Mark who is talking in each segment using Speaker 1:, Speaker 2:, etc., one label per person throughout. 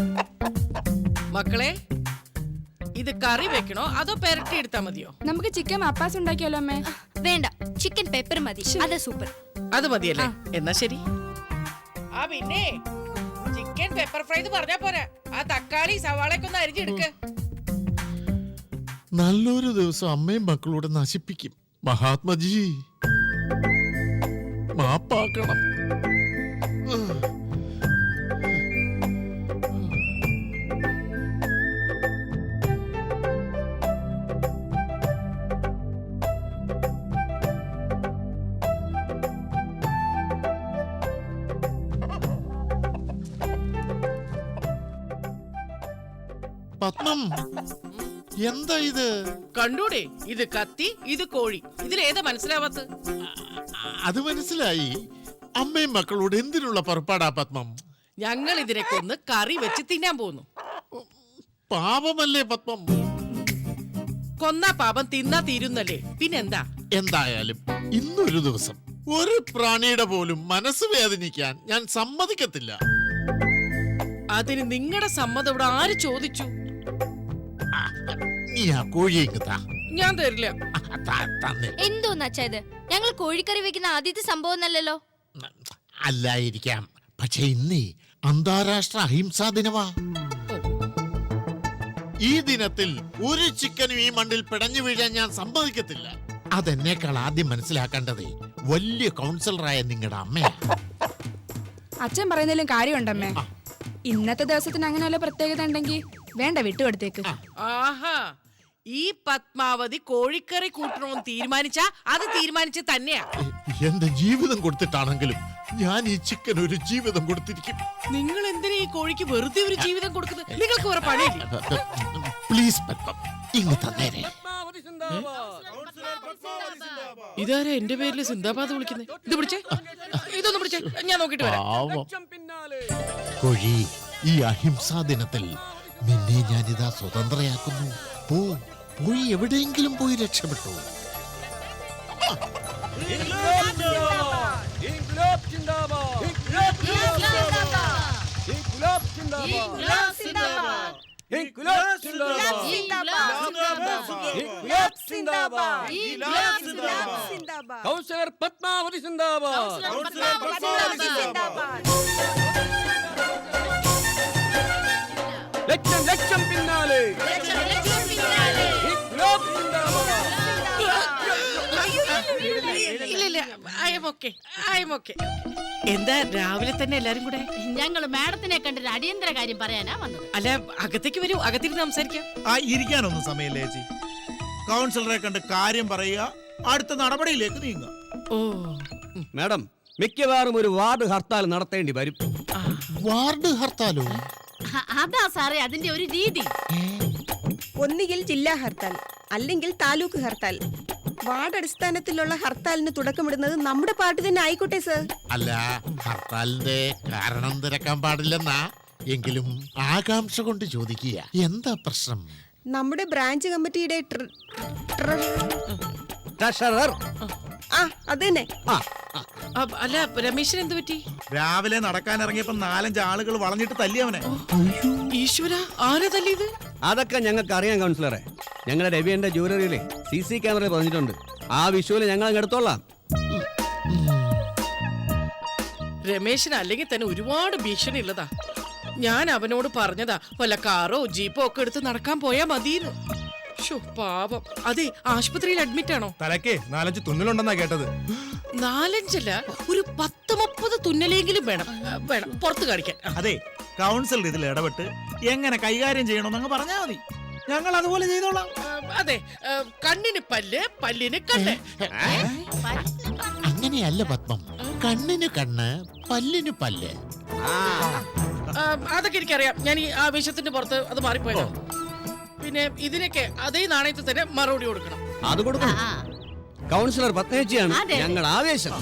Speaker 1: മക്കളെ, ഇത് കറി വെക്കണോ അതോ പെരട്ടി എടുത്താ മതിയോ?
Speaker 2: നമുക്ക് ചിക്കൻ മപ്പാസ് ഉണ്ടാക്കിയാലോ അമ്മേ?
Speaker 3: വേണ്ട, ചിക്കൻ പെപ്പർ മതി. അത് സൂപ്പർ.
Speaker 1: അത് മതിയല്ലേ? എന്നാ ശരി. ആ പിന്നെ ചിക്കൻ പെപ്പർ ഫ്രൈ പറഞ്ഞാ പോരാ, ആ തക്കാളി സവാളയൊക്കെ ഒന്ന് അരിഞ്ഞെടുക്ക്.
Speaker 4: നല്ലൊരു ദിവസം അമ്മയും മക്കളൂടെ നശിപ്പിക്കും. മഹാത്മജി മാപ്പാക്കണം. പത്മം, എന്താ ഇത്?
Speaker 1: കണ്ടൂടെ, ഇത് കത്തി, ഇത് കോഴി. ഇതിലേതാ മനസ്സിലാവാത്ത?
Speaker 4: അത് മനസ്സിലായി. അമ്മയും മക്കളോട് എന്തിനുള്ള പുറപ്പാടാ പത്മം?
Speaker 1: ഞങ്ങൾ ഇതിനെ കൊന്ന് കറി വെച്ച് തിന്നാൻ പോകുന്നു.
Speaker 4: പാപമല്ലേ പത്മം?
Speaker 1: കൊന്നാ പാപം, തിന്നാ തീരുന്നല്ലേ, പിന്നെന്താ?
Speaker 4: എന്തായാലും ഇന്നൊരു ദിവസം ഒരു പ്രാണിയുടെ പോലും മനസ്സ് വേദനിക്കാൻ ഞാൻ സമ്മതിക്കത്തില്ല.
Speaker 1: അതിന് നിങ്ങളുടെ സമ്മതം ഇവിടെ ആര് ചോദിച്ചു?
Speaker 4: നീ ആ കോഴിയെ താ.
Speaker 1: ഞാൻ തരില്ല.
Speaker 3: എന്തോന്ന് അച്ഛാ ഇത്? ഞങ്ങൾ കോഴിക്കറി വെക്കുന്ന ആദ്യത്തെ സംഭവം അല്ലല്ലോ.
Speaker 4: അല്ലായിരിക്കാം, പക്ഷെ ഇന്നേ അന്താരാഷ്ട്ര അഹിംസാ ദിനമാ. ഈ ദിനത്തിൽ ഒരു ചിക്കനും ഈ മണ്ണിൽ പിടഞ്ഞു വീഴാൻ ഞാൻ സമ്മതിക്കത്തില്ല. അതെന്നേക്കാൾ ആദ്യം മനസ്സിലാക്കേണ്ടത് വലിയ കൗൺസിലറായ നിങ്ങളുടെ അമ്മയാ.
Speaker 2: അച്ഛൻ പറയുന്നതിലും കാര്യമുണ്ടമ്മേ. ഇന്നത്തെ ദിവസത്തിന് അങ്ങനെ വല്ല പ്രത്യേകത ഉണ്ടെങ്കിൽ വേണ്ട, വിട്ടുകൊടുത്തേക്ക്.
Speaker 1: ആഹാ, ഈ പത്മാവതി കോഴിക്കറി കൂട്ടണമെന്ന് തീരുമാനിച്ചാ അത് തീരുമാനിച്ച് തന്നെയാ.
Speaker 4: എന്റെ ജീവിതം കൊടുത്തിട്ടാണെങ്കിലും ഞാൻ ഈ ചിക്കൻ ഒരു ജീവിതം കൊടുത്തിരിക്കും.
Speaker 1: നിങ്ങൾ എന്തിനാ ഈ കോഴിക്ക് വെറുതെ ഒരു ജീവിതം കൊടുക്കുന്നത്? നിങ്ങൾക്ക് വേറെ പണിയില്ല.
Speaker 4: പ്ലീസ് പത്മം, ഇങ്ങ് തന്നേരെ.
Speaker 1: ഇതാരാ എന്റെ പേരിൽ സിന്ദാബാദ് വിളിക്കുന്നത്? ഇത് പിടിച്ചേ, ഇതൊന്ന് പിടിച്ചേ, ഞാൻ നോക്കിട്ട് വരാം.
Speaker 4: കോഴി, ഈ അഹിംസാ ദിനത്തിൽ നിന്നെ ഞാനിതാ സ്വതന്ത്രയാക്കുന്നു. പോയി എവിടെയെങ്കിലും പോയി രക്ഷപ്പെട്ടു.
Speaker 5: കൗൺസിലർ പത്മാവതി സിന്ദാബാദ്. ലക്ഷം ലക്ഷം പിന്നാലെ.
Speaker 1: ഇല്ല, ഐ എം ഓക്കെ. എന്താ രാവിലെ തന്നെ എല്ലാരും കൂടെ?
Speaker 6: ഞങ്ങൾ മാഡത്തിനെ കണ്ടൊരു അടിയന്തര കാര്യം പറയാനാ വന്നത്.
Speaker 1: അല്ല, അകത്തേക്ക് വരൂ, അകത്തിരുന്ന് സംസാരിക്കാം.
Speaker 7: ഇരിക്കാനൊന്നും സമയമില്ല ചേച്ചി. കൗൺസിലറെ കണ്ട് കാര്യം പറയുക, അടുത്ത നടപടിയിലേക്ക് നീങ്ങുക.
Speaker 1: ഓ
Speaker 5: മാഡം, മിക്കവാറും ഒരു വാർഡ് ഹർത്താൽ നടത്തേണ്ടി വരും.
Speaker 4: വാർഡ് ഹർത്താലോ?
Speaker 6: അതാ സാറേ അതിന്റെ ഒരു രീതി.
Speaker 8: ഒന്നുകിൽ ജില്ലാ ഹർത്താൽ, അല്ലെങ്കിൽ താലൂക്ക് ഹർത്താൽ. വാർഡ് അടിസ്ഥാനത്തിലുള്ള ഹർത്താലിന് തുടക്കമിടുന്നത് നമ്മുടെ പാർട്ടി തന്നെ ആയിക്കോട്ടെ സർ.
Speaker 4: അല്ല, ഹർത്താലിന്റെ കാരണം തിരക്കാൻ പാടില്ലെന്നാ. എങ്കിലും ആകാംക്ഷ കൊണ്ട് ചോദിക്കുക, എന്താ പ്രശ്നം?
Speaker 8: നമ്മുടെ ബ്രാഞ്ച് കമ്മിറ്റിയുടെ
Speaker 5: ട്രഷറർ.
Speaker 8: അതന്നെ.
Speaker 1: അല്ല, രമേശിന് എന്ത് പറ്റി?
Speaker 7: രാവിലെ നടക്കാൻ ഇറങ്ങിയപ്പോ 4-5 ആളുകൾ വളഞ്ഞിട്ട് തല്ലിയവനെ.
Speaker 1: ഈശ്വര, ആരാ തല്ലിയത്?
Speaker 5: അതൊക്കെ ഞങ്ങൾക്ക് അറിയാം കൗൺസിലറെ. ഞങ്ങളുടെ രവിയുടെ ജ്വല്ലറിയിലെ CC ക്യാമറ പറഞ്ഞിട്ടുണ്ട്. ആ വിഷുവിൽ ഞങ്ങൾ അങ്ങ് എടുത്തോളാം.
Speaker 1: രമേശിന് അല്ലെങ്കിൽ തന്നെ ഒരുപാട് ഭീഷണി ഉള്ളതാ. ഞാൻ അവനോട് പറഞ്ഞതാ, വല്ല കാറോ ജീപ്പോ ഒക്കെ എടുത്ത് നടക്കാൻ പോയാ മതിയെന്ന്. പാപം. അതെ, ആശുപത്രിയിൽ അഡ്മിറ്റ് ആണോ?
Speaker 7: തലക്കേ 4-5 തുന്നലുണ്ടെന്നാ കേട്ടത്.
Speaker 1: 4-5 ഒരു 10-30 തുന്നലെങ്കിലും വേണം പുറത്ത് കാണിക്കാൻ.
Speaker 7: അതെ, കൗൺസിലർ ഇതിൽ ഇടപെട്ട് എങ്ങനെ കൈകാര്യം ചെയ്യണമെന്നങ്ങ് പറഞ്ഞാൽ മതി. ഞങ്ങൾ അതുപോലെ ചെയ്തോളാം.
Speaker 1: അതെ, കണ്ണിന് പല്ല്, പല്ലിന് കണ്ണ്.
Speaker 4: അങ്ങനെയല്ല പത്മം, കണ്ണിന് കണ്ണ്, പല്ലിന് പല്ല്.
Speaker 1: അതൊക്കെ എനിക്കറിയാം. ഞാൻ ഈ ആവേശത്തിന്റെ പുറത്ത് അത് മാറിപ്പോയോ. പിന്നെ ഇതിനൊക്കെ അതേ നാണയത്തിൽ തന്നെ മറുപടി കൊടുക്കണം.
Speaker 5: അത് കൊടുക്കണം. കൗൺസിലർ പത്മേച്ചിയാണ് ഞങ്ങൾ ആവേശം.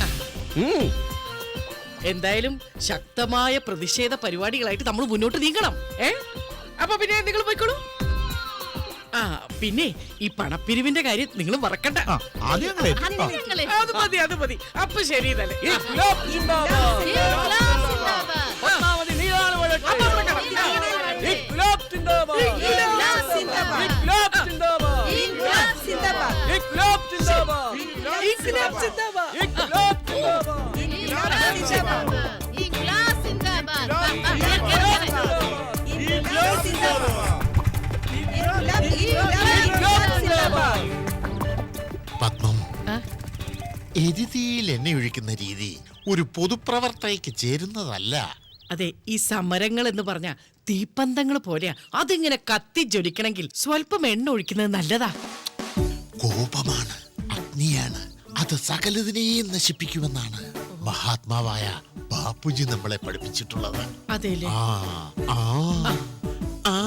Speaker 1: എന്തായാലും ശക്തമായ പ്രതിഷേധ പരിപാടികളായിട്ട് നമ്മൾ മുന്നോട്ട് നീങ്ങണം. അപ്പൊ പിന്നെ നിങ്ങൾ പോയിക്കോളൂ. പിന്നെ ഈ പണപ്പിരിവിന്റെ കാര്യം നിങ്ങൾ മറക്കണ്ട. അത് മതി. അപ്പൊ ശരി തന്നെ.
Speaker 5: പത്മാവതി നീളാണ്
Speaker 1: ഇൻക്ലാബ് സിന്ദാബാദ്.
Speaker 6: ഇൻക്ലാബ് സിന്ദാബാദ്.
Speaker 4: പത്മം
Speaker 1: ആ?
Speaker 4: എരുതിയിൽ എണ്ണ ഒഴിക്കുന്ന രീതി ഒരു പൊതുപ്രവർത്തകയ്ക്ക് ചേരുന്നതല്ല.
Speaker 1: അതെ, ഈ സമരങ്ങൾ എന്ന് പറഞ്ഞ തീപ്പന്തങ്ങൾ പോലെയാ. അതിങ്ങനെ കത്തി ജ്വലിക്കണമെങ്കിൽ സ്വല്പം എണ്ണ ഒഴിക്കുന്നത് നല്ലതാ.
Speaker 4: കോപമാണ്, അഗ്നിയാണ്, അത് സകലതിനെയും നശിപ്പിക്കുമെന്നാണ് മഹാത്മാവായ ബാപ്പുജി നമ്മളെ പഠിപ്പിച്ചിട്ടുള്ളത്.
Speaker 1: അതേല്ലേ?
Speaker 4: ആ ആ ആ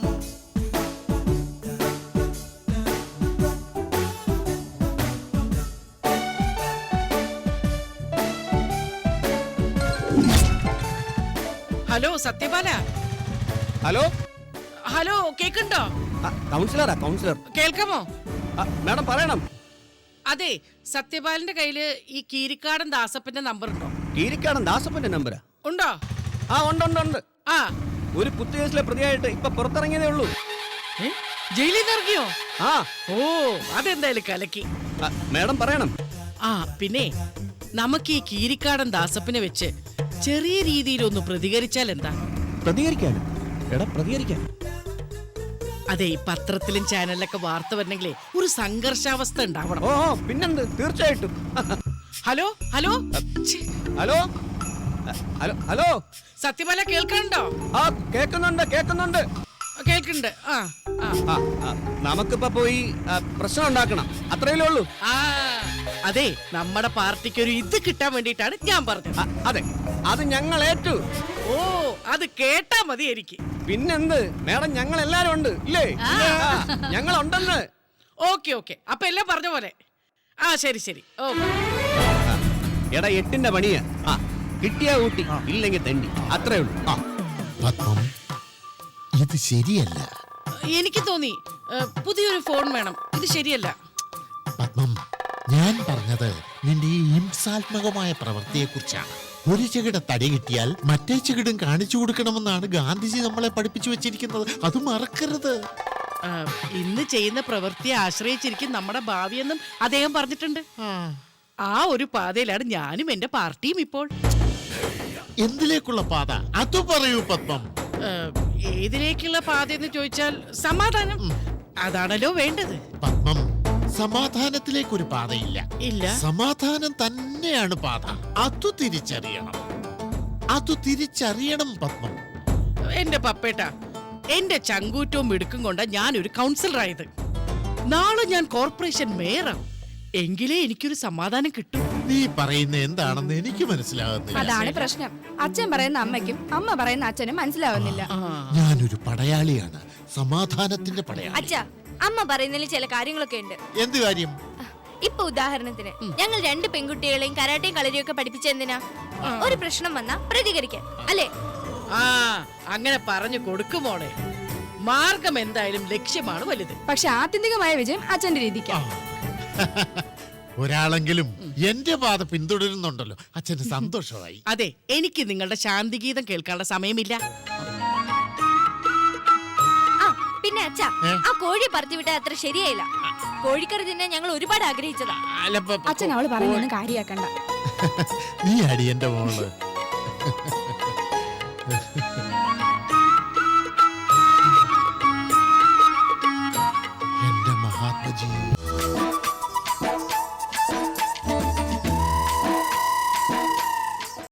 Speaker 1: ഹലോ സത്യപാല.
Speaker 5: ഹലോ
Speaker 1: ഹലോ, കേക്കുണ്ടോ?
Speaker 5: കൗൺസിലറാ കൗൺസിലർ.
Speaker 1: കേൾക്കാമോ?
Speaker 5: മാഡം പറയണം.
Speaker 1: അതെ, സത്യപാലിന്റെ കയ്യില് ഈ കീരിക്കാടൻ ദാസപ്പന്റെ നമ്പർ ഉണ്ടോ?
Speaker 5: കീരിക്കാടൻ ദാസപ്പന്റെ നമ്പരാ?
Speaker 1: ഉണ്ടോ?
Speaker 5: ആ ഉണ്ട് ഉണ്ട് ഉണ്ട്.
Speaker 1: ആ,
Speaker 5: ഒരു കുത്തുകേസിലെ പ്രതിയായിട്ട് ഇപ്പൊ പുറത്തിറങ്ങിയതേ ഉള്ളൂ.
Speaker 1: ഏ? ജയിലിൽ നിന്ന് ഇറങ്ങിയോ?
Speaker 5: ആ
Speaker 1: ഓ, അതെന്തായാലും കലക്കി.
Speaker 5: മാഡം പറയണം.
Speaker 1: ആ, പിന്നെ നമുക്ക് ഈ കീരിക്കാടൻ ദാസപ്പനെ വെച്ച് ചെറിയ രീതിയിലൊന്ന് പ്രതികരിച്ചാൽ എന്താ?
Speaker 5: പ്രതികരിക്കാനും എടാ പ്രതികരിക്കാൻ.
Speaker 1: അതെ, ഈ പത്രത്തിലും ചാനലിലൊക്കെ വാർത്ത വരണമെങ്കിലേ ഒരു സംഘർഷാവസ്ഥ ഉണ്ടാവണം.
Speaker 5: ഓ പിന്നെന്ത്, തീർച്ചയായിട്ടും.
Speaker 1: ഹലോ ഹലോ, ഛെ,
Speaker 5: ഹലോ ഹലോ ഹലോ.
Speaker 1: സത്യപാല കേൾക്കണ്ടോ?
Speaker 5: ആ കേക്കുന്നുണ്ട് കേക്കുന്നുണ്ട്.
Speaker 1: കേൾക്കുന്നുണ്ട്. ആ ആ
Speaker 5: ആ, ആ, നമുക്കിപ്പോ പോയി പ്രശ്നം ഉണ്ടാക്കണം, അത്രയല്ലേ ഉള്ളൂ.
Speaker 1: ആ, അതെ, നമ്മുടെ പാർട്ടിക്ക് ഒരു ഇത് കിട്ടാൻ വേണ്ടിയിട്ടാണ് ഞാൻ പറഞ്ഞത്.
Speaker 5: അതെ, അത് ഞങ്ങൾ ഏറ്റു.
Speaker 1: ഓ, അത് കേട്ടാ മതി എനിക്ക്.
Speaker 5: പിന്നെന്ത് മേഡം, ഞങ്ങൾ എല്ലാരും ഉണ്ട് ഇല്ലേ? ഞങ്ങൾ ഉണ്ടെന്ന്.
Speaker 1: ഓക്കെ ഓക്കെ, അപ്പൊ എല്ലാം പറഞ്ഞ പോലെ. ആ, ശരി ശരി. ഓ,
Speaker 5: എടാ 8ന്റെ പണിയാ. ആ കിട്ടിയാ ഊട്ടി, ഇല്ലെങ്കിൽ തെണ്ടി, അത്രേ ഉള്ളൂ.
Speaker 4: ആ, പത്മം ഇത് ശരിയല്ല.
Speaker 1: എനിക്ക് തോന്നി പുതിയൊരു ഫോൺ വേണം. ഇത് ശരിയല്ല.
Speaker 4: പത്മം, ഞാൻ പറഞ്ഞത് നിന്റെ ഈ ഹിംസാത്മകമായ പ്രവൃത്തിയെ കുറിച്ചാണ്. ഒരു ചെകിട തടി കിട്ടിയാൽ മറ്റേ ചെകിടും കാണിച്ചു കൊടുക്കണമെന്നാണ് ഗാന്ധിജി നമ്മളെ പഠിപ്പിച്ചു വെച്ചിരിക്കുന്നത്. അത് മറക്കരുത്.
Speaker 1: ആ, ഇന്ന് ചെയ്യുന്ന പ്രവൃത്തിയെ ആശ്രയിച്ചിരിക്കും നമ്മുടെ ഭാവിയെന്നും അദ്ദേഹം പറഞ്ഞിട്ടുണ്ട്. ആ ഒരു പാതയിലാണ് ഞാനും എന്റെ പാർട്ടിയും ഇപ്പോൾ.
Speaker 4: എന്തിലേക്കുള്ള പാത അത് പറയൂ പത്മം.
Speaker 1: ആ, ഏതിലേക്കുള്ള പാതയെന്ന് ചോദിച്ചാൽ സമാധാനം. അതാണല്ലോ വേണ്ടത്.
Speaker 4: പത്മം, സമാധാനത്തിലേക്കൊരു പാതയില്ല.
Speaker 1: ഇല്ല.
Speaker 4: സമാധാനം തന്നെയാണ് പാത. അത് തിരിച്ചറിയണം. അത് തിരിച്ചറിയണം പത്മം.
Speaker 1: എന്റെ പപ്പേട്ട, എന്റെ ചങ്കൂറ്റവും മിടുക്കും കൊണ്ടാ ഞാനൊരു കൗൺസിലറായത്. നാളെ ഞാൻ കോർപ്പറേഷൻ മേയറാവും. എങ്കിലേ എനിക്കൊരു സമാധാനം കിട്ടും.
Speaker 4: നീ പറയുന്ന എന്താണെന്ന് എനിക്ക് മനസ്സിലാകുന്നില്ല.
Speaker 2: അതാണ് പ്രശ്നം. അച്ഛൻ പറയുന്ന അമ്മയ്ക്കും അമ്മ പറയുന്ന അച്ഛനും മനസ്സിലാവുന്നില്ല.
Speaker 4: ഞാനൊരു പടയാളിയാണ്, സമാധാനത്തിന്റെ പടയാളി.
Speaker 3: അച്ഛാ, അമ്മ പറയുന്നതിൽ ചില കാര്യങ്ങളൊക്കെ ഉണ്ട്.
Speaker 4: എന്ത് കാര്യം?
Speaker 3: ഇപ്പൊ ഉദാഹരണത്തിന് ഞങ്ങൾ 2 പെൺകുട്ടികളെയും കരാട്ടയും കളരിയും ഒക്കെ പഠിപ്പിച്ചെന്തിനാ? ഒരു പ്രശ്നം വന്നാ പ്രതികരിക്കാൻ, അല്ലേ?
Speaker 1: ആ, അങ്ങനെ പറഞ്ഞു കൊടുക്കുമോളെ. മാർഗം എന്തായാലും ലക്ഷ്യമാണ് വലുത്.
Speaker 2: പക്ഷെ ആത്യന്തികമായ വിജയം അച്ഛന്റെ രീതിക്ക്.
Speaker 4: ഒരാളെങ്കിലും എന്റെ പാത പിന്തുടരുന്നുണ്ടല്ലോ, അച്ഛന് സന്തോഷമായി.
Speaker 1: അതെ, എനിക്ക് നിങ്ങളുടെ ശാന്തിഗീതം കേൾക്കാനുള്ള സമയമില്ല.
Speaker 3: ആ പിന്നെ അച്ഛാ, ആ കോഴി പറത്തിവിട്ട അത്ര ശരിയായില്ല. കോഴിക്കറി തിന്നാൻ ഞങ്ങൾ ഒരുപാട് ആഗ്രഹിച്ചതാ.
Speaker 4: അല്ല,
Speaker 2: അച്ഛൻ അവള് പറയുന്നൊന്നും കാര്യാക്കണ്ട.
Speaker 4: നീ അടി എന്റെ മോള്. എന്റെ മഹാത്മജി.